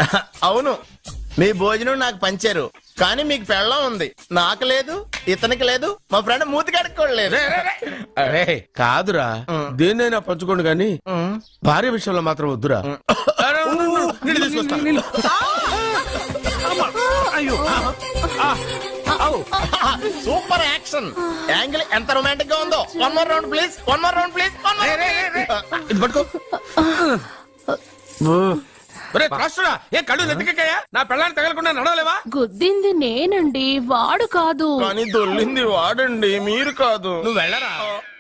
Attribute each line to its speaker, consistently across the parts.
Speaker 1: అవును, మీ భోజనం నాకు పంచారు, కానీ మీకు పెళ్ళం ఉంది, నాకు లేదు, ఇతనికి లేదు, మా ఫ్రెండ్ మూతి కడుక్కోలేదు.
Speaker 2: అరే కాదురా, దేన్నైనా పంచుకోండి కానీ భార్య విషయంలో మాత్రం వద్దురా.
Speaker 1: సూపర్ యాక్షన్ యాంగిల్ ఎంత రొమాంటిక్ గా ఉందో. One more round please, one more round please.
Speaker 2: ఇది పట్టుకో. ఏ కళ్ళు నెత్తికెక్కాయా? నా పెళ్ళాన్ని తగలకుండా నడవలేవా?
Speaker 3: గుద్దింది నేనండి, వాడు కాదు.
Speaker 1: కానీ దొల్లింది వాడండి, మీరు కాదు.
Speaker 2: నువ్వు వెళ్ళరా.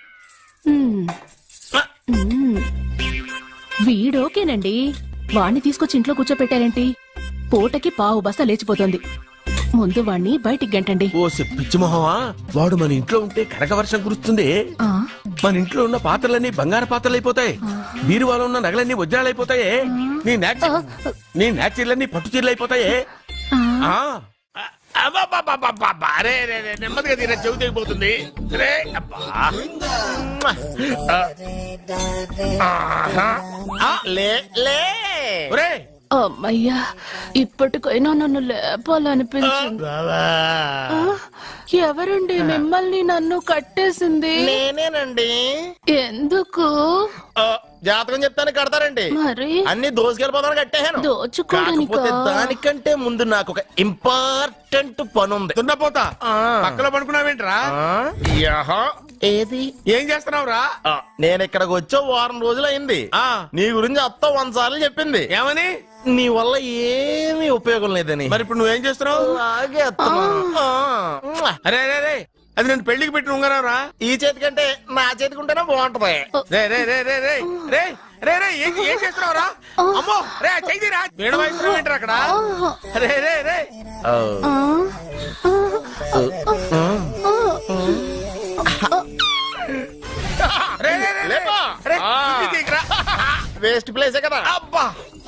Speaker 3: వీడోకేనండి, వాణ్ణి తీసుకొచ్చి ఇంట్లో కూర్చోపెట్టారేంటి? పూటకి పావు బస్తా లేచిపోతుంది. ముందు వాణ్ణి బయటికి గంటండి.
Speaker 2: ఓ పిచ్చి మొహమా, వాడు మన ఇంట్లో ఉంటే కనక వర్షం కురుస్తుంది. మన ఇంట్లో ఉన్న పాత్రలన్నీ బంగారు పాత్రలు అయిపోతాయి, బీరువాలో ఉన్న నగలన్నీ వజ్రాలు అయిపోతాయి, నీ నాచీర్లన్నీ పట్టు చీరలు అయిపోతాయి. నెమ్మదిగా తీరా, చెవి తెగిపోతుంది.
Speaker 3: అమ్మయ్యా, ఇప్పటికైనా నన్ను లేపాలనిపించింది. ఎవరండి మిమ్మల్ని నన్ను కట్టేసింది?
Speaker 1: నేనేనండి.
Speaker 3: ఎందుకు?
Speaker 1: జాతకం చెప్తాను కడతారండి.
Speaker 3: మరి
Speaker 1: అన్ని దోసుకెళ్ళిపోతాను కట్టేహాను.
Speaker 3: దోచుకోవడానికా?
Speaker 1: దానికంటే ముందు నాకు ఒక ఇంపార్టెంట్ పని ఉంది.
Speaker 2: తున్నపోతా పక్కలో పడుకున్నావేంట్రా?
Speaker 1: ఏది?
Speaker 2: ఏం చేస్తున్నావురా?
Speaker 1: నేను ఇక్కడికి వచ్చే వారం రోజులు అయింది. నీ గురించి అత్త 100 సార్లు చెప్పింది.
Speaker 2: ఏమని?
Speaker 1: నీ వల్ల ఏమీ ఉపయోగం లేదని.
Speaker 2: మరి ఇప్పుడు నువ్వేం చేస్తున్నావు?
Speaker 1: అలాగే
Speaker 2: అరే అరే, అది నేను పెళ్లికి పెట్టిన ఉంగరం రా.
Speaker 1: ఈ చేతి కంటే నా చేతికి ఉంటేనే బాగుంటది.
Speaker 2: రే రే రే రే రే రే రే రే ఏం చేస్తున్నావు రా? అమ్మో రే, చెయ్యిరా. వీణ వాయిస్తున్నావు ఏంటారు అక్కడ? రే రే రే
Speaker 1: వేస్ట్ ప్లేసే కదా.
Speaker 2: అబ్బా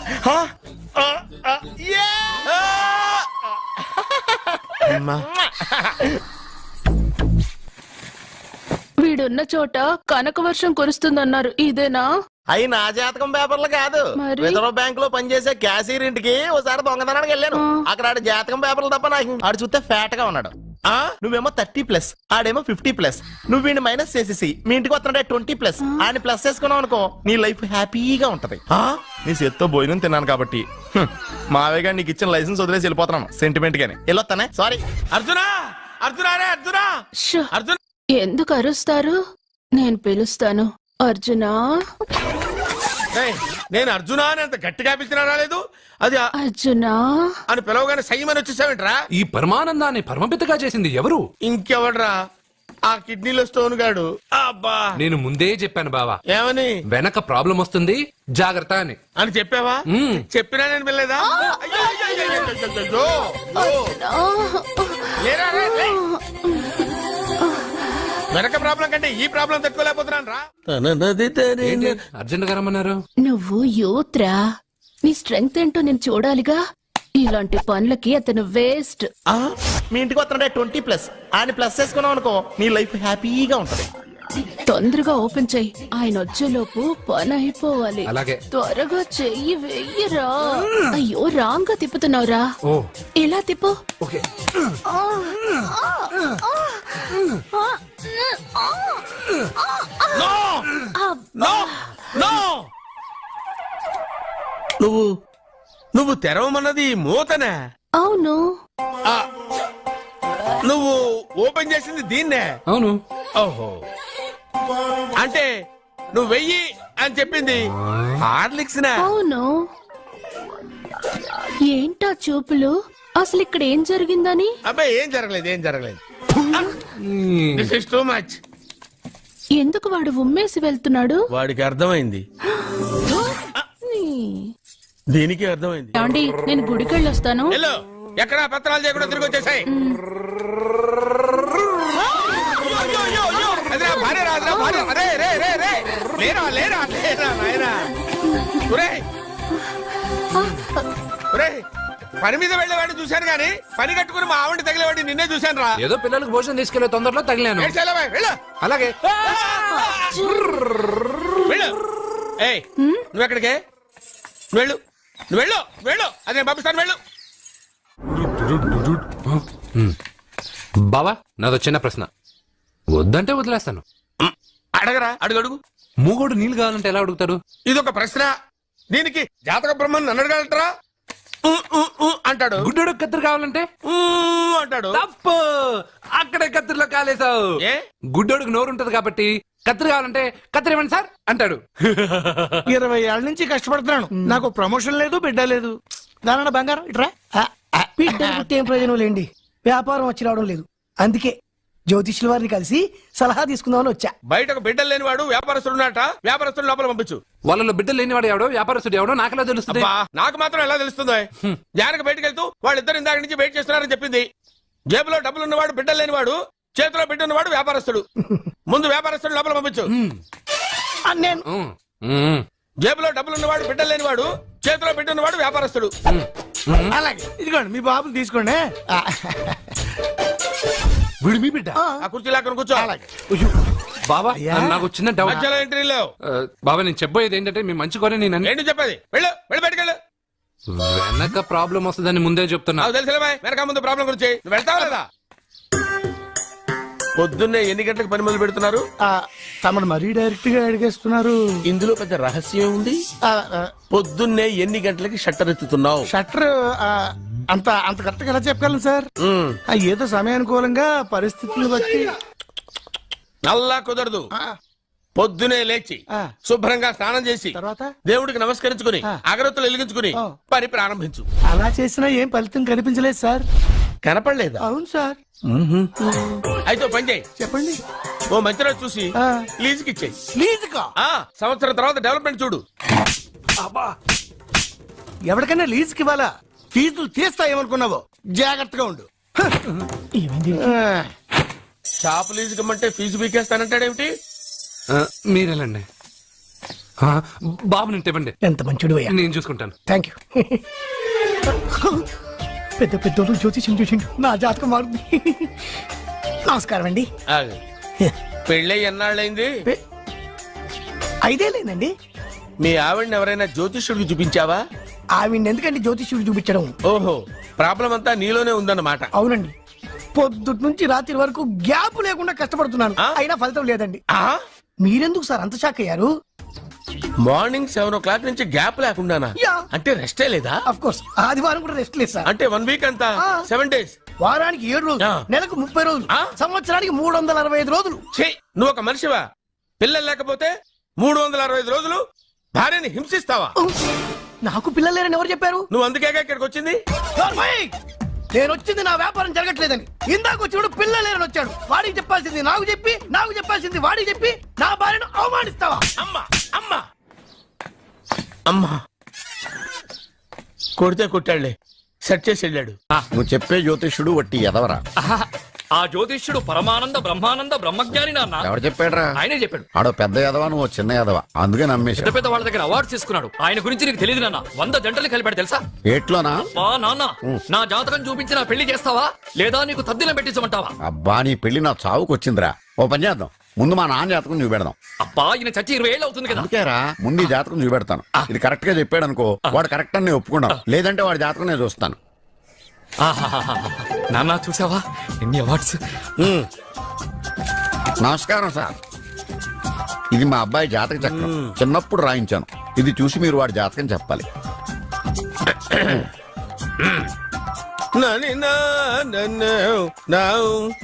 Speaker 3: వీడున్న చోట కనక వర్షం కురుస్తుందన్నారు, ఇదేనా?
Speaker 1: అయి నా జాతకం పేపర్లు కాదు.
Speaker 3: మరి?
Speaker 1: రిజర్వ్ బ్యాంక్ లో పనిచేసే క్యాషియర్ ఇంటికి ఒకసారి దొంగతనానికి వెళ్ళాను. అక్కడ ఆడి జాతకం పేపర్లు తప్ప నాకు ఆడు చూస్తే ఫ్యాట్ గా ఉన్నాడు. నువ్వేమో 30+, ఆడేమో 50+. నువ్వు వీడిని మైనస్ చేసేసి మీ ఇంటికి వస్తున్నాడే 20+. ఆయన ప్లస్ చేసుకున్నావు అనుకో, నీ లైఫ్ హ్యాపీగా ఉంటది. నీ చేత్తో భోజనం తిన్నాను కాబట్టి మావేగా నీకు ఇచ్చిన లైసెన్స్ వదిలేసి వెళ్ళిపోతున్నాను సెంటిమెంట్ గానే. వెళ్ళొస్తానే. సారీ.
Speaker 2: అర్జునా, అర్జునా రే అర్జునా,
Speaker 3: షో,
Speaker 2: అర్జున్.
Speaker 3: ఎందుకు అరుస్తారు? నేను పిలుస్తాను. అర్జునా.
Speaker 2: నేను అర్జునా అని అంత గట్టిగా పిలిచినా రాలేదు. అది
Speaker 3: అర్జునా
Speaker 2: అని పిలవగానే సైమని వచ్చేసావేంట్రా?
Speaker 4: ఈ పరమానందాన్ని పరమపితగా చేసింది ఎవరు?
Speaker 2: ఇంకెవడ్రా? ఆ కిడ్నీలో స్టోన్ గాడు. అబ్బా,
Speaker 4: నేను ముందే చెప్పాను బావా,
Speaker 2: ఏమని?
Speaker 4: వెనక ప్రాబ్లం వస్తుంది, జాగ్రత్త అని.
Speaker 2: అని చెప్పావా? చెప్పినా నేను వెళ్ళలేదా? వెనక ప్రాబ్లం కంటే ఈ ప్రాబ్లం తట్టుకోలేకపోతున్నాను రా.
Speaker 4: అర్జెంట్ గా రమ్మన్నారు.
Speaker 3: నువ్వు యూత్రా, నీ స్ట్రెంగ్త్ ఏంటో నేను చూడాలిగా. ఇలాంటి పనులకి అతను వేస్ట్.
Speaker 1: మీ ఇంటికి వస్తున్నాడే 20+. ఆయన ప్లస్ చేసుకున్నావు అనుకో, నీ లైఫ్ హ్యాపీగా ఉంటది.
Speaker 3: తొందరగా ఓపెన్ చెయ్యి, ఆయన వచ్చేలోపు పని అయిపోవాలి.
Speaker 4: అలాగే.
Speaker 3: త్వరగా చెయ్యి వెయ్యరా. అయ్యో, రాంగ్ గా తిప్పుతున్నావురా.
Speaker 4: ఓ,
Speaker 3: ఇలా తిప్పు.
Speaker 4: ఓకే.
Speaker 2: నువ్వు తెరవమన్నది మూతనే?
Speaker 3: అవును.
Speaker 2: నువ్వు ఓపెన్ చేసింది దీన్నే?
Speaker 4: అవును.
Speaker 2: ఓహో, అంటే నువ్వు వెయ్యి అని చెప్పింది హార్లిక్స్?
Speaker 3: అవును. ఏంటా చూపులు? అసలు ఇక్కడ ఏం జరిగిందని?
Speaker 2: అబ్బాయి ఏం జరగలేదు, ఏం జరగలేదు. This is too much.
Speaker 3: ఎందుకు వాడు ఉమ్మేసి వెళ్తున్నాడు?
Speaker 2: వాడికి అర్థమైంది, దీనికి అర్థమైంది.
Speaker 3: ఏమండి, నేను గుడికెళ్ళి వస్తాను.
Speaker 2: ఎక్కడ పత్రాలు చేయకుండా తిరిగి వచ్చేసాయి. పని మీద వెళ్ళేవాడిని చూశాను గానీ పని కట్టుకుని మా ఆవిడ తగిలేవాడిని నిన్నే చూశాను రా.
Speaker 4: ఏదో పిల్లలకు భోజనం తీసుకెళ్లే తొందరలో తగిలాను. అలాగే.
Speaker 2: నువ్వు ఎక్కడికే వెళ్ళు. నువ్వు వెళ్ళు వెళ్ళు అదే పంపిస్తాను వెళ్ళు.
Speaker 4: బావా నాదో చిన్న ప్రశ్న, వద్దంటే వదిలేస్తాను.
Speaker 2: అడగరా అడుగు.
Speaker 4: మూగోడు నీళ్ళు కావాలంటే ఎలా అడుగుతాడు?
Speaker 2: ఇదొక ప్రశ్న. దీనికి జాతక బ్రహ్మను నన్ను అడగలటరా? అంటాడు.
Speaker 4: గుడ్డోడు కత్తిరి కావాలంటే
Speaker 2: అంటాడు.
Speaker 4: తప్పు, అక్కడే కత్తిరిలో కాలేసావు.
Speaker 2: ఏ?
Speaker 4: గుడ్డోడుకు నోరు ఉంటది కాబట్టి కత్తిరి కావాలంటే కత్తిరి ఇవ్వండి సార్ అంటాడు.
Speaker 5: 20 ఏళ్ల నుంచి కష్టపడుతున్నాను, నాకు ప్రమోషన్ లేదు, బిడ్డ లేదు. దానన్న బంగారం ఇట్రా. బిడ్డ పుట్టి ఏం ప్రయోజనం లేండి, వ్యాపారం వచ్చి రావడం లేదు. అందుకే జ్యోతిష్యుల వారిని కలిసి సలహా తీసుకుందామని వచ్చా.
Speaker 2: బయటకు బిడ్డలు లేనివాడు వ్యాపారస్తుడు ఉన్నట. వ్యాపారస్తుడు లోపల పంపించు.
Speaker 4: వాళ్ళలో బిడ్డలు లేనివాడు ఎవడో వ్యాపారస్తుడు ఎవడో నాకెలా తెలుస్తుంది?
Speaker 2: అబ్బా, నాకు మాత్రం ఎలా తెలుస్తుందో? జానకి బయటకు వెళ్తూ వాళ్ళిద్దరు ఇందాక నుంచి వెయిట్ చేస్తున్నారని చెప్పింది. జేబులో డబ్బులు ఉన్నవాడు బిడ్డలు లేనివాడు, చేతిలో బిడ్డ ఉన్నవాడు వ్యాపారస్తుడు. ముందు వ్యాపారస్తుడు లోపల పంపించు.
Speaker 5: నేను
Speaker 2: జేబులో డబ్బులు ఉన్నవాడు బిడ్డలు లేనివాడు, చేతిలో బిడ్డ ఉన్నవాడు వ్యాపారస్తుడు.
Speaker 5: అలాగే ఇదిగోండి మీ బాబుని తీసుకోండి.
Speaker 4: వీడు మీ బిడ్డ?
Speaker 2: ఆ కుర్చీ లాక్కని కూర్చో.
Speaker 4: బాబా
Speaker 5: అయ్యా.
Speaker 4: నాకు చిన్న డౌట్.
Speaker 2: మధ్యలో ఎంట్రీ లేవు.
Speaker 4: బాబా నేను చెప్పబోయేది ఏంటంటే మీ మంచి కోరే నేను
Speaker 2: ఏంటి చెప్పేది? వెళ్ళు వెళ్ళి బయటకు వెళ్ళు.
Speaker 4: వెనక ప్రాబ్లం వస్తుందని ముందే చెప్తున్నా.
Speaker 2: నాకు తెలుసులే బాయ్, వెనక ముందు ప్రాబ్లం గురించి. నువ్వు వెళ్తావా లేదా? పొద్దున్నే ఎన్ని గంటలకు పని మొదలు పెడుతున్నారు?
Speaker 5: తమను మరీ డైరెక్ట్ గా అడిగేస్తున్నారు.
Speaker 2: ఇందులో పెద్ద రహస్యం ఉంది. పొద్దున్నే ఎన్ని గంటలకి షట్టర్ ఎత్తుతున్నావు?
Speaker 5: షట్టర్ అంత అంత కరెక్ట్ గా ఎలా చెప్పగలను సార్? ఏదో సమయానుకూలంగా పరిస్థితులను బట్టి.
Speaker 2: నల్లా కుదరదు. పొద్దునే లేచి శుభ్రంగా స్నానం చేసి
Speaker 5: తర్వాత
Speaker 2: దేవుడికి నమస్కరించుకుని అగరత్తులు వెలిగించుకుని పని ప్రారంభించు.
Speaker 5: అలా చేసినా ఏం ఫలితం కనిపించలేదు సార్.
Speaker 2: కనపడలేదా?
Speaker 5: అవును సార్.
Speaker 2: అయితే ఓ పని చేయి.
Speaker 5: చెప్పండి.
Speaker 2: ఓ మంచి రోజు చూసి
Speaker 5: ఆ.
Speaker 2: లీజుకి ఇచ్చేయి.
Speaker 5: లీజుకా?
Speaker 2: సంవత్సరం తర్వాత డెవలప్మెంట్ చూడు.
Speaker 5: ఎవరికైనా లీజుకి ఇవ్వాలా? ఫీజులు తీస్తాయేమనుకున్నావో, జాగ్రత్తగా ఉండు.
Speaker 2: షాప్ లీజుకి ఇమ్మంటే ఫీజు పీకేస్తానంటాడేమిటి?
Speaker 4: మీరేలండి బాబు నేను ఇవ్వండి.
Speaker 5: ఎంత మంచిడు అయ్యా.
Speaker 4: నేను చూసుకుంటాను.
Speaker 5: Thank you. పెద్ద పెద్దోళ్ళు జ్యోతిష్యం చూసిండు, నా జాతకం మారుంది. నమస్కారం అండి.
Speaker 2: ఆగు. పెళ్ళై ఎన్నాళ్ళైంది?
Speaker 5: 5 ఏళ్ళైందండి.
Speaker 2: మీ ఆవిడని ఎవరైనా జ్యోతిష్యుడికి చూపించావా?
Speaker 5: ఆవిడ ఎందుకండి జ్యోతిష్యుడు చూపించడం?
Speaker 2: ఓహో, ప్రాబ్లం అంతా నీలోనే ఉందన్నమాట.
Speaker 5: అవునండి, పొద్దుటి నుంచి రాత్రి వరకు గ్యాప్ లేకుండా కష్టపడుతున్నాను, అయినా ఫలితం లేదండి. మీరెందుకు సార్ అంత షాక్ అయ్యారు?
Speaker 2: మార్నింగ్ 7 o'clock నుంచి గ్యాప్ లేకుండానా?
Speaker 5: యా.
Speaker 2: అంటే రెస్టే లేదా?
Speaker 5: అఫ్ కోర్స్ ఆదివారం కూడా రెస్ట్ లేదు సార్.
Speaker 2: అంటే 1 week అంతా 7 days.
Speaker 5: వారానికి 7 రోజులు,
Speaker 2: ఆ.
Speaker 5: నెలకు 30 రోజులు,
Speaker 2: ఆ.
Speaker 5: సంవత్సరానికి 365 రోజులు.
Speaker 2: ఛీ, నువ్వు ఒక మనిషివా? పిల్లలు లేకపోతే 365 రోజులు భార్యని హింసిస్తావా?
Speaker 5: నాకు పిల్లలు లేరని ఎవరు చెప్పారు?
Speaker 2: నువ్వు అందుకేగా ఇక్కడికి వచ్చింది.
Speaker 5: నార్మల్! నేను వచ్చింది నా వ్యాపారం జరగట్లేదని. ఇందాక వచ్చినప్పుడు పిల్లలు లేరని వచ్చాడు. వాడికి చెప్పాల్సింది నాకు చెప్పి, నాకు చెప్పాల్సింది వాడికి చెప్పి నా భార్యను అవమానిస్తావా?
Speaker 2: అమ్మా అమ్మా అమ్మా, కొడితే కొట్టాడులే, సెట్ చేసి వెళ్ళాడు.
Speaker 6: నువ్వు చెప్పే జ్యోతిష్యుడు వట్టి ఎదవరా?
Speaker 7: ఆ జ్యోతిష్యుడు పరమానంద బ్రహ్మానంద బ్రహ్మజ్ఞాని నాన్న.
Speaker 6: ఎవడు చెప్పాడురా?
Speaker 7: ఆయనే చెప్పాడు.
Speaker 6: ఆడో పెద్ద ఎదవా, నువ్వు చిన్న ఎదవా, అందుకే
Speaker 7: పెద్ద
Speaker 6: నమ్మేశా.
Speaker 7: పెద్ద వాళ్ళ దగ్గర అవార్డ్స్ తీసుకున్నాడు. ఆయన గురించి నీకు తెలియదు నాన్న. 100 జంటలు కలిపాడు తెలుసా?
Speaker 6: ఏట్లోనా?
Speaker 7: బా నాన్న, నా జాతకం చూపించి నా పెళ్లి చేస్తావా లేదా నీకు తద్దిలం పెట్టించమంటావా?
Speaker 6: అబ్బా, నీ పెళ్లి నా చావుకు వచ్చిందిరా. ఓ పని చేద్దాం, ముందు మా నాన్న జాతకం చూపెడదాం.
Speaker 7: అబ్బా ఈయన చచ్చి 20 ఏళ్ళు అవుతుంది కదా.
Speaker 6: అందుకేరా ముందు ఈ జాతకం చూపెడతాను. ఇది కరెక్ట్ గా చెప్పాడు అనుకో, వాడు కరెక్ట్ అని నేను ఒప్పుకున్నాను. లేదంటే వాడి జాతకం నేను చూస్తాను.
Speaker 7: ఆహాహాహా. నాన్న చూసావా ఎన్ని అవార్డ్స్?
Speaker 6: నమస్కారం సార్, ఇది మా అబ్బాయి జాతక చక్రం. చిన్నప్పుడు రాయించాను. ఇది చూసి మీరు వాడి జాతకం చెప్పాలి.
Speaker 2: నని నా నన్ను నావు.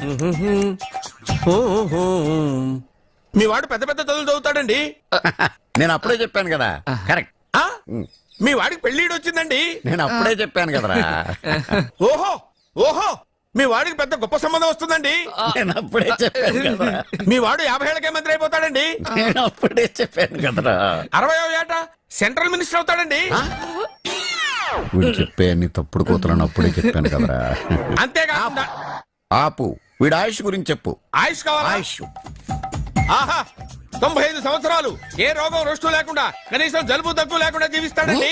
Speaker 2: మీ వాడు పెద్ద పెద్ద చదువులు చదువుతాడండి.
Speaker 6: నేను అప్పుడే చెప్పాను కదా. కరెక్ట్.
Speaker 2: మీ వాడికి పెళ్లిడు వచ్చిందండి.
Speaker 6: నేను అప్పుడే చెప్పాను కదరా.
Speaker 2: ఓహో ఓహో, మీ వాడికి పెద్ద గొప్ప సంబంధం వస్తుందండి.
Speaker 6: నేను అప్పుడే చెప్పాను కదరా.
Speaker 2: మీ వాడు 50 ఏళ్ళకే మంత్రి అయిపోతాడండి.
Speaker 6: నేను అప్పుడే చెప్పాను కదరా.
Speaker 2: 60వ ఏట సెంట్రల్ మినిస్టర్ అవుతాడండి.
Speaker 6: వీడు చెప్పే అన్ని తప్పుడు కూతురని అప్పుడే చెప్పాను కదరా.
Speaker 2: అంతేకాకుండా
Speaker 6: ఆపు, వీడి ఆయుష్ గురించి చెప్పు.
Speaker 2: ఆయుష్ కావాలా?
Speaker 6: ఆయుష్
Speaker 2: ఆహా, 95 సంవత్సరాలు ఏ రోగం రుష్టు లేకుండా, కనీసం జలుబు దగ్గు లేకుండా జీవిస్తాడండి.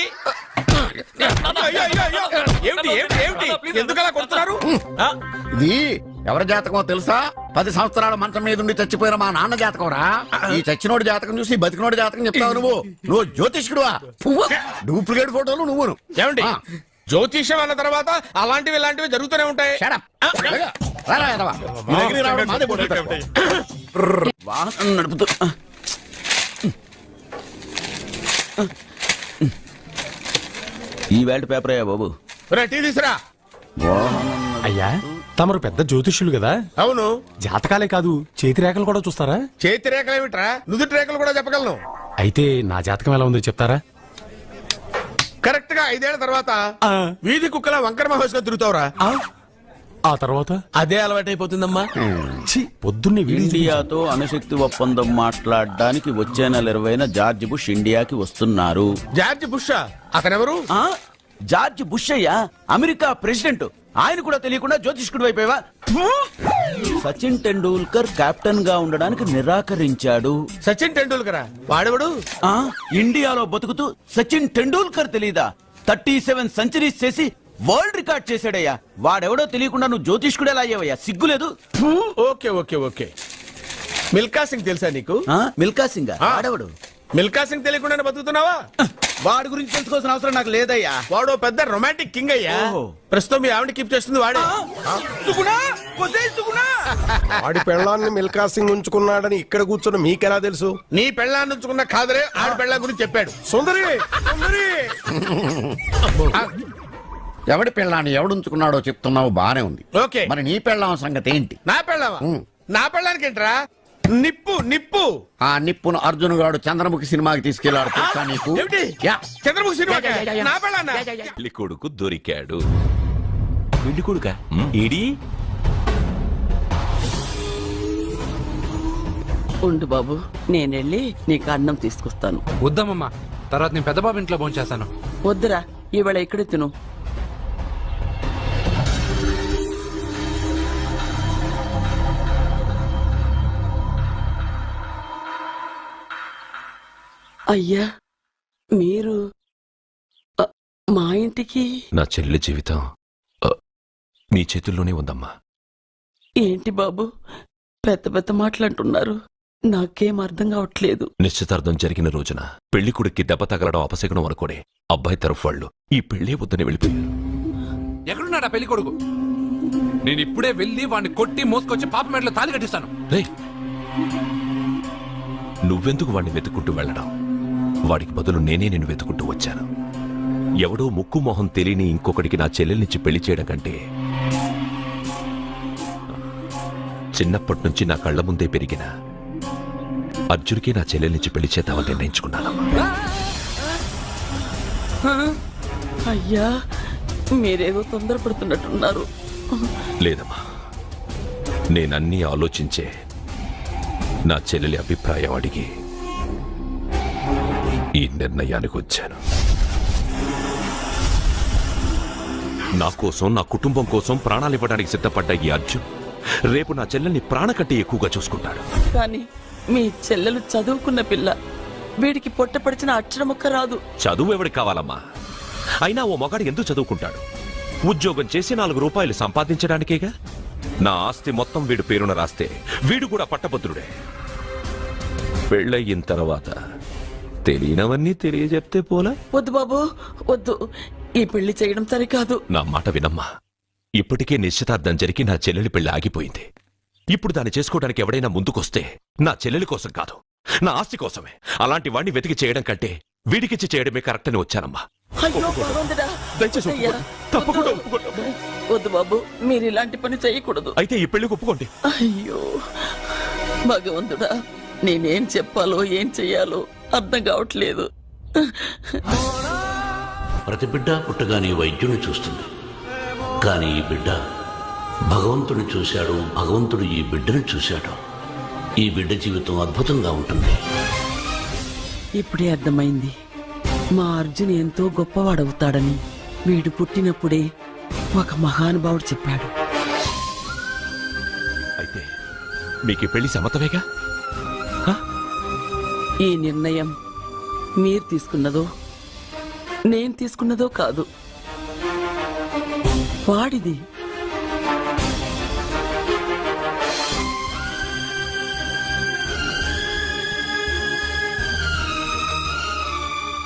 Speaker 2: అయ్యో, అయ్యో, అయ్యో. ఏమిటి ఏమిటి ఏమిటి, ఎందుకలా కొడుతున్నారు?
Speaker 6: ఇది ఎవరి జాతకమో తెలుసా? 10 సంవత్సరాల మంచం మీద ఉండి చచ్చిపోయిన మా నాన్న జాతకం రా. ఈ చచ్చినోడి జాతకం చూసి బతికినోడి జాతకం చెప్తావు నువ్వు జ్యోతిష్కుడువా? డూప్లికేట్ ఫోటోలు నువ్వును.
Speaker 2: ఏమండి జ్యోతిష్యం అన్న తర్వాత అలాంటివి ఇలాంటివి జరుగుతూనే ఉంటాయి.
Speaker 6: Shut up. రారా, ఎదవా. నీ దగ్గరికి రావడం మాదే బుద్ధి తక్కువ. వాహనం నడుపుతూ
Speaker 8: ఈ వేల్ట్ పేపర్ అయ్యా బాబు.
Speaker 2: టీ తీసురా.
Speaker 9: అయ్యా తమరు పెద్ద జ్యోతిష్యులు కదా,
Speaker 2: అవును.
Speaker 9: జాతకాలే కాదు చేతి రేఖలు కూడా చూస్తారా?
Speaker 2: చేతి రేఖలు ఏమిట్రా, నుదుటి రేఖలు కూడా చెప్పగలను.
Speaker 9: అయితే నా జాతకం ఎలా ఉందో చెప్తారా?
Speaker 2: కరెక్ట్ గా 5 ఏళ్ల తర్వాత వీధి కుక్కల వంకర మహేష్ గా తిరుగుతావురా.
Speaker 9: ఆ తర్వాత
Speaker 2: అదే అలవాటైపోతుందమ్మా.
Speaker 9: ఛీ, పొద్దున్నే వీడియో
Speaker 8: ఇండియాతో అణుశక్తి ఒప్పందం మాట్లాడడానికి వచ్చే నెల 20న జార్జ్ బుష్ ఇండియాకి వస్తున్నారు.
Speaker 2: జార్జ్ బుషా? అతనెవరు?
Speaker 8: ఆ జార్జ్ బుష్ అయ్యా, అమెరికా ప్రెసిడెంట్. ఆయన కూడా తెలియకుండా జ్యోతిష్కుడు వైపోయావా? సచిన్ టెండూల్కర్ కెప్టెన్ గా ఉండడానికి నిరాకరించాడు.
Speaker 2: సచిన్ టెండూల్కరా? వాడెవడు?
Speaker 8: ఆ ఇండియాలో బతుకుతూ సచిన్ టెండూల్కర్ తెలీదా? 37 సెంచరీస్ చేసి వరల్డ్ రికార్డ్ చేశాడయ్యా. వాడెవడో తెలియకుండా నువ్వు జ్యోతిష్కుడు ఎలా అయ్యావయ్యా? సిగ్గులేదు.
Speaker 2: Okay okay okay. Milkha Singh తెలుసా నీకు?
Speaker 8: మిల్కా సింగ్ వాడెవడు?
Speaker 2: మిల్కా సింగ్ తెలియకుండా బతుకుతున్నావా?
Speaker 8: వాడి గురించి తెలుసుకోవాల్సిన అవసరం నాకు లేదయ్యా.
Speaker 2: వాడు పెద్ద రొమాంటిక్ కింగ్ అయ్యా.
Speaker 8: ఓహో.
Speaker 2: ప్రస్తుతం మీ ఆవిడ కీప్ చేస్తుంది వాడే.
Speaker 10: ఆడి పెళ్ళాన్ని మిల్కా సింగ్ ఉంచుకున్నాడని ఇక్కడ కూర్చున్న మీకెలా తెలుసు?
Speaker 2: నీ పెళ్ళాన్ని ఉంచుకున్న కాదరే ఆడి పెళ్ళాం గురించి చెప్పాడు. సుందరి సుందరి.
Speaker 6: ఎవడి పెళ్ళాన్ని ఎవడుంచుకున్నాడో చెప్తున్నావు, బానే ఉంది.
Speaker 2: ఓకే.
Speaker 6: మరి నీ పెళ్ళాం సంగతి ఏంటి?
Speaker 2: నా పెళ్ళావా? నా పెళ్ళానికి ఏంట్రా? నిప్పు నిప్పు.
Speaker 6: ఆ నిప్పును అర్జున్ గాడు చంద్రముఖి సినిమాకి తీసుకెళ్లాడు తెలుసా నీకు?
Speaker 2: ఏమిటి?
Speaker 6: యా.
Speaker 2: చంద్రముఖి సినిమా నా పెళ్ళాన్నా?
Speaker 11: పెళ్లి కొడుకు దొరికాడు. పెళ్లి కొడుక ఏడి?
Speaker 12: ఉండు బాబు, నేనెళ్ళి నీకు అన్నం తీసుకొస్తాను.
Speaker 4: వద్దామమ్మా, తర్వాత నేను పెద్ద బాబు ఇంట్లో భోంచేస్తాను.
Speaker 12: వద్దురా, ఈవేళ ఇక్కడే తిను. అయ్యా మీరు మా ఇంటికి?
Speaker 11: నా చెల్లి జీవితం నీ చేతుల్లోనే ఉందమ్మా.
Speaker 12: ఏంటి బాబు పెద్ద పెద్ద మాటలంటున్నారు? నాకేం అర్థం కావట్లేదు.
Speaker 11: నిశ్చితార్థం జరిగిన రోజున పెళ్లి కొడుక్కి దెబ్బ తగలడం అపశకునం అనుకోడే అబ్బాయి తరఫు వాళ్ళు ఈ పెళ్లే వద్దని వెళ్ళిపోయారు.
Speaker 4: ఎక్కడున్నాడా పెళ్లి కొడుకు? నేను ఇప్పుడే వెళ్ళి వాడిని కొట్టి మోసుకొచ్చి పాప మెడలో తాళి కట్టిస్తాను.
Speaker 11: రేయ్, నువ్వెందుకు వాడిని వెతుక్కుంటూ వెళ్ళడం? వాడికి బదులు నేనే నిన్ను వెతుకుంటూ వచ్చాను. ఎవడో ముక్కు మొహం తెలియని ఇంకొకడికి నా చెల్లెల్నిచ్చి పెళ్లి చేయడం కంటే చిన్నప్పటి నుంచి నా కళ్ల ముందే పెరిగిన అర్జున్కి నా చెల్లెల్నిచ్చి పెళ్లి చేద్దామని నిర్ణయించుకున్నానమ్మా.
Speaker 12: అయ్యా మీరేదో తొందరపడుతున్నట్టున్నారు.
Speaker 11: లేదమ్మా, నేనన్నీ ఆలోచించే నా చెల్లెలి అభిప్రాయం అడిగి ఈ నిర్ణయానికి వచ్చాను. నా కోసం, నా కుటుంబం కోసం ప్రాణాలు ఇవ్వడానికి సిద్ధపడ్డ ఈ అర్జున్ రేపు నా చెల్లెల్ని ప్రాణ కంటే ఎక్కువగా చూసుకుంటాడు.
Speaker 12: కానీ మీ చెల్లెలు చదువుకున్న పిల్ల, వీడికి పొట్టపడిచిన అక్షరం ఒక్క రాదు.
Speaker 11: చదువు ఎవడికి కావాలమ్మా? అయినా ఓ మగాడు ఎందుకు చదువుకుంటాడు? ఉద్యోగం చేసి 4 రూపాయలు సంపాదించడానికేగా. నా ఆస్తి మొత్తం వీడు పేరున రాస్తే వీడు కూడా పట్టభద్రుడే. పెళ్ళయిన తర్వాత తెలియనవన్నీ తెలియజెప్తే పోలా?
Speaker 12: వద్దు బాబు వద్దు, ఈ పెళ్లి చేయడం సరికాదు.
Speaker 11: నా మాట వినమ్మా. ఇప్పటికే నిశ్చితార్థం జరిగి నా చెల్లెలి పెళ్లి ఆగిపోయింది. ఇప్పుడు దాన్ని చేసుకోవడానికి ఎవడైనా ముందుకొస్తే నా చెల్లెలి కోసం కాదు, నా ఆస్తి కోసమే. అలాంటి వాడిని వెతికి చేయడం కంటే వీడికిచ్చి చేయడమే కరెక్ట్ అని వచ్చానమ్మా.
Speaker 12: అయ్యో భగవంతుడా,
Speaker 11: దయచేసి
Speaker 12: అయ్యా,
Speaker 11: తప్పకుండా
Speaker 12: వద్దు.
Speaker 11: ఒప్పుకోండి.
Speaker 12: వద్దు బాబు, మీరు ఇలాంటి పని చేయకూడదు.
Speaker 11: అయితే ఈ పెళ్లికి ఒప్పుకోండి.
Speaker 12: అయ్యో భగవంతుడా, నేనేం చెప్పాలో ఏం చెయ్యాలో అర్థం కావట్లేదు.
Speaker 13: ప్రతి బిడ్డ పుట్టగానే వైద్యుని చూస్తుంది, కానీ ఈ బిడ్డ భగవంతుని చూశాడు, భగవంతుడు ఈ బిడ్డను చూశాడు. ఈ బిడ్డ జీవితం అద్భుతంగా ఉంటుంది.
Speaker 12: ఇప్పుడే అర్థమైంది, మా అర్జున్ ఎంతో గొప్పవాడవుతాడని. వీడు పుట్టినప్పుడే ఒక మహానుభావుడు చెప్పాడు.
Speaker 11: అయితే మీకు ఈ పెళ్లి సమ్మతమేగా?
Speaker 12: ఈ నిర్ణయం మీరు తీసుకున్నదో నేను తీసుకున్నదో కాదు, వాడిది.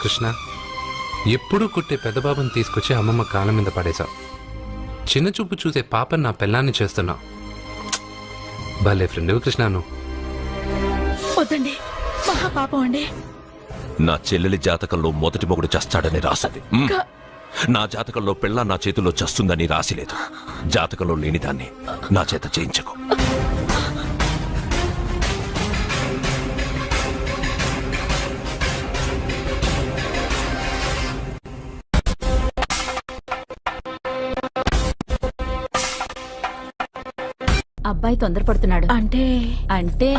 Speaker 4: కృష్ణ ఎప్పుడూ కుట్టే పెద్దబాబుని తీసుకొచ్చి అమ్మమ్మ కాళ్ళ మీద పడేశావు. చిన్న చూపు చూసే పాపని నా పెళ్ళాన్ని చేస్తున్నావు. భలే ఫ్రెండ్ కృష్ణ నువ్వు.
Speaker 3: వద్దండి, మహా పాపం అండి.
Speaker 11: నా చెల్లెలి జాతకంలో మొదటి మొగుడు చస్తాడని రాసింది. నా జాతకంలో పెళ్ళ నా చేతిలో చస్తుందని రాసిలేదు. జాతకంలో లేనిదాన్ని నా చేత చేయించకు.
Speaker 3: అబ్బాయి తొందరపడుతున్నాడు. అంటే అంటే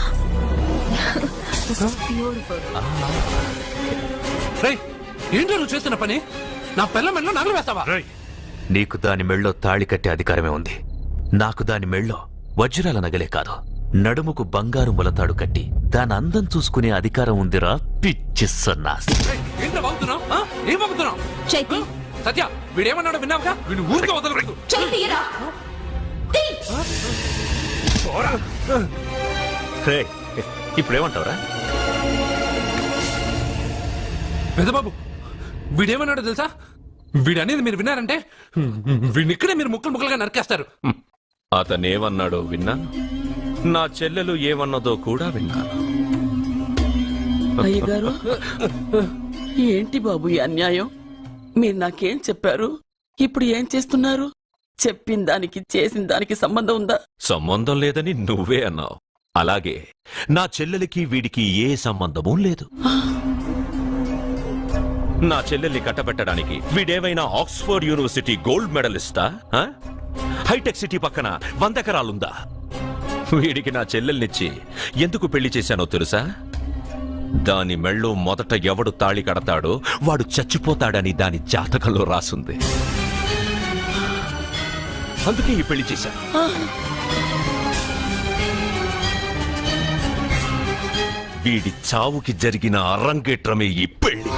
Speaker 4: రేయ్, ఏంటో నువ్వు చేస్తున్న పని? నా పిల్ల మెళ్ళో నగలు వేస్తావా?
Speaker 11: నీకు దాని మెళ్ళో తాళి కట్టే అధికారమే ఉంది. నాకు దాని మెళ్ళో వజ్రాల నగలే కాదు, నడుముకు బంగారు ములతాడు కట్టి దాని అందం చూసుకునే అధికారం ఉందిరా పిచ్చి సన్నాసి.
Speaker 4: రేయ్, ఏంట్రా వాగుతున్నావ్? ఏం వాగుతున్నావ్?
Speaker 3: చైతి,
Speaker 4: సత్య, వీడేమన్నాడో విన్నావుగా? వీడు ఊరికే వదలకూడదు.
Speaker 3: చైతిరా.
Speaker 11: ఇప్పుడేమంటావురా?
Speaker 4: పెద్దబాబు, వీడేమన్నాడో తెలుసా? వీడనేది మీరు విన్నారంటే వీడిని ఇక్కడే మీరు ముక్కలు ముక్కలుగా నరికేస్తారు.
Speaker 11: అతనేమన్నాడో విన్నా, నా చెల్లెలు ఏమన్నదో కూడా విన్నాను.
Speaker 12: అయ్యగారు, ఏంటి బాబు ఈ అన్యాయం? మీరు నాకేం చెప్పారు, ఇప్పుడు ఏం చేస్తున్నారు? చెప్పిన దానికి చేసిన దానికి సంబంధం ఉందా?
Speaker 11: సంబంధం లేదని నువ్వే అన్నావు. అలాగే నా చెల్లెలికి వీడికి ఏ సంబంధమూ లేదు. నా చెల్లెల్ని కట్టబెట్టడానికి వీడేమైనా ఆక్స్ఫర్డ్ యూనివర్సిటీ గోల్డ్ మెడలిస్టా? హైటెక్ సిటీ పక్కన 100 ఎకరాలుందా? వీడికి నా చెల్లెల్నిచ్చి ఎందుకు పెళ్లి చేశానో తెలుసా? దాని మెళ్ళో మొదట ఎవడు తాళి కడతాడో వాడు చచ్చిపోతాడని దాని జాతకంలో రాసుంది. అందుకే ఈ పెళ్లి చేశాను. వీడి చావుకి జరిగిన అరంగేట్రమే ఈ పెళ్లి.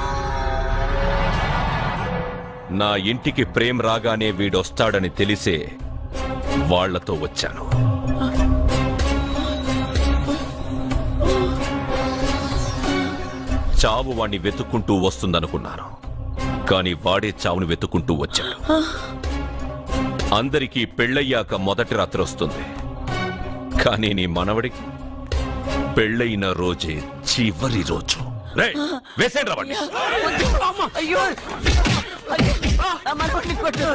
Speaker 11: నా ఇంటికి ప్రేమ్ రాగానే వీడొస్తాడని తెలిసే వాళ్లతో వచ్చాను. చావు వాణ్ణి వెతుక్కుంటూ వస్తుందనుకున్నాను, కానీ వాడే చావుని వెతుక్కుంటూ వచ్చాడు. అందరికీ పెళ్ళయ్యాక మొదటి రాత్రి వస్తుంది, కానీ నీ మనవడికి పెళ్ళైన రోజే చివరి రోజు. వేసేయండి రా వాణ్ణి.
Speaker 12: అయ్యో, నా మనవడిని కొట్టు.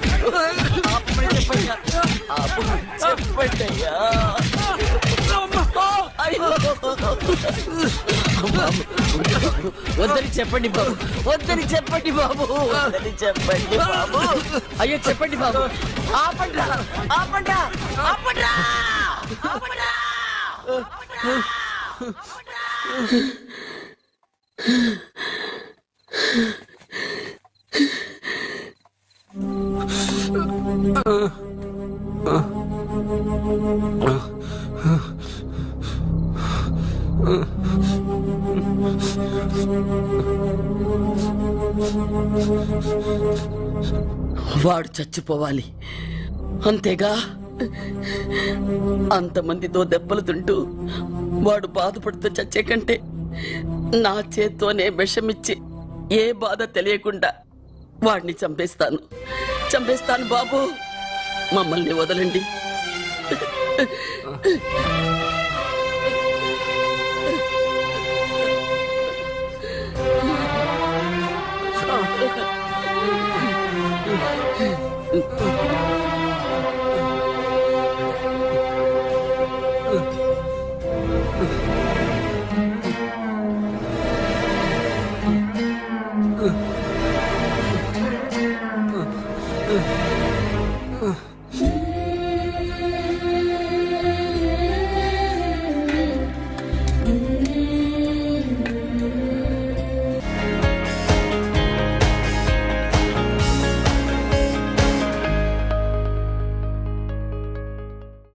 Speaker 12: చెప్పండయ్యా. వద్దని చెప్పండి బాబు, వద్దని చెప్పండి బాబు, వద్దని చెప్పండి బాబు. అయ్యో చెప్పండి బాబు. ఆపండ్రా, ఆపండ్రా, ఆపండ్రా, ఆపండ్రా. వాడు చచ్చిపోవాలి అంతేగా. అంతమందితో దెబ్బలు తింటూ వాడు బాధపడుతూ చచ్చే కంటే నా చేత్తోనే విషమిచ్చి ఏ బాధ తెలియకుండా వాడిని చంపేస్తాను, చంపేస్తాను బాబు. మమ్మల్ని వదలండి.